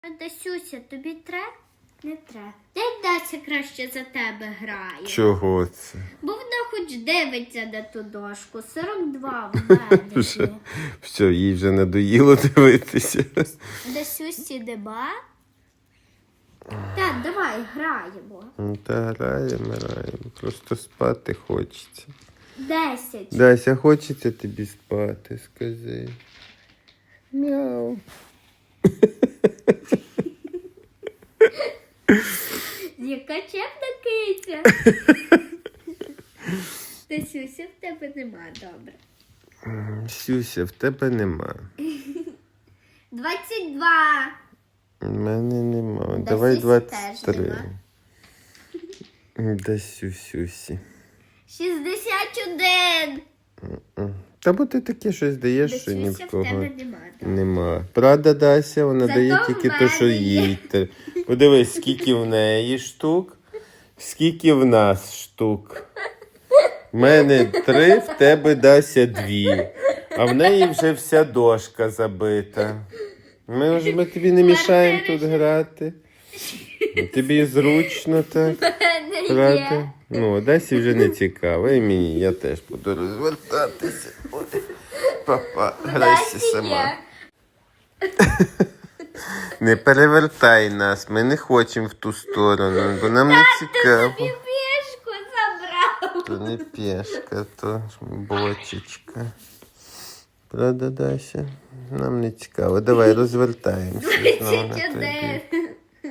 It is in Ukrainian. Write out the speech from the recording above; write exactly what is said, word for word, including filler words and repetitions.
А Дасюся, тобі треба? Не треба. Як Дася краще за тебе грає? Чого це? Бо вона хоч дивиться на ту дошку. сорок два в мене Все, є. все, їй вже надоїло дивитися. Дасюсі нема? Так, давай, граємо. Ну, Та граємо, граємо. Просто спати хочеться. Десять. Дася, хочеться тобі спати, скажи. Мяу. Яка чемна киця. Дасюся, в тебе нема, добре. Сюся, в тебе нема. Двадцять два. У мене нема. Да Давай Сюсі двадцять теж три. Да Сюсюсі. Шістдесят один. Та бо ти таке щось даєш, що ні Дасюся, в в кого тебе нема, добре. нема. Правда, Дася, вона Зато дає в тільки те, що мене є. їй. Те- Подивись, скільки в неї штук, скільки в нас штук. В мене три, в тебе, Дася, дві. А в неї вже вся дошка забита. Ми ж ми тобі не мішаємо тут грати. Тобі зручно так. Мене Правда? є. Ну, Дасі вже не цікаво. І мені, я теж буду розвертатися. Ой, папа, грайся Дасі сама. є. Не перевертай нас, ми не хочемо в ту сторону, бо нам не цікаво. Тобі пішку забрав. То не пішка, то бочечка. Правда, Дася? Нам не цікаво. Давай розвертаємося. знову на той Двадцять бік. один.